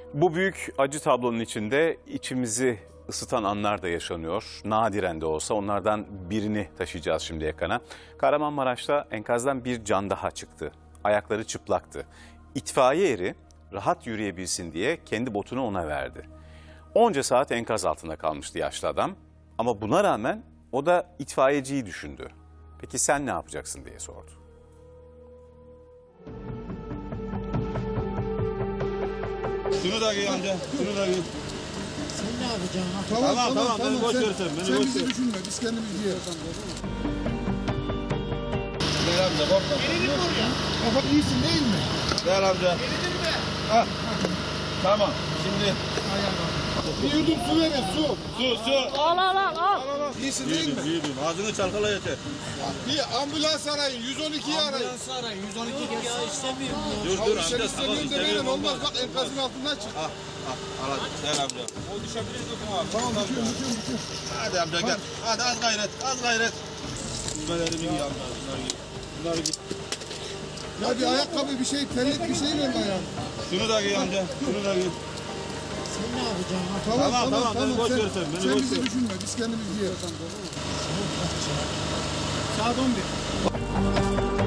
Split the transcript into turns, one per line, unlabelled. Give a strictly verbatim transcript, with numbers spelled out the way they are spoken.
Bu büyük acı tablonun içinde içimizi ısıtan anlar da yaşanıyor. Nadiren de olsa onlardan birini taşıyacağız şimdi ekrana. Kahramanmaraş'ta enkazdan bir can daha çıktı. Ayakları çıplaktı. İtfaiye eri rahat yürüyebilsin diye kendi botunu ona verdi. Onca saat enkaz altında kalmıştı yaşlı adam. Ama buna rağmen o da itfaiyeciyi düşündü. Peki sen ne yapacaksın diye sordu.
Şunu da giy amca, şunu da giy.
Sen ne yapacaksın? Ha?
Tamam, tamam, tamam, tamam. Beni boş ver sen, beni
Sen
boş
bizi
ver.
düşünme, biz kendimiz yiyoruz.
Gel amca, korkma.
Kafa iyisin değil mi?
Gel amca. Ah, tamam, şimdi.
Bir yudum su verin, su.
Su, su.
Al al al al.
İyisin değil
Büyüdüm,
mi?
büyüdüm. Ağzını çalkala yeter.
Bir ambulans arayın, yüz on ikiyi arayın.
Ambulans ara, yüz on iki ya istemiyorum ya.
Dur,
Ya
dur
bir şey
amca, tamam,
istemiyorum demeyin,
istemiyorum
olmaz.
olmaz.
Bak enkazın altından çık.
Ah, ah, al hadi, gel amca. O düşebilir dokun abi.
Tamam, bitiyorum, bitiyorum, bitiyorum.
Hadi amca gel. Hadi az gayret, az gayret. Düzmelerimi giy amca, bunları giy. Bunları giy.
Ya bir ayakkabı, bir şey, terlik bir şey ver ayağım.
Şunu da giy amca, şunu da giy.
Sen ne yapacaksın? Ha?
Tamam,
Tamam,
tamam,
tamam, beni boş
Sen,
ver sen, beni
sen
boş
bizi
ver.
düşünme, biz kendimiz yiyoruz.
Saat on bir.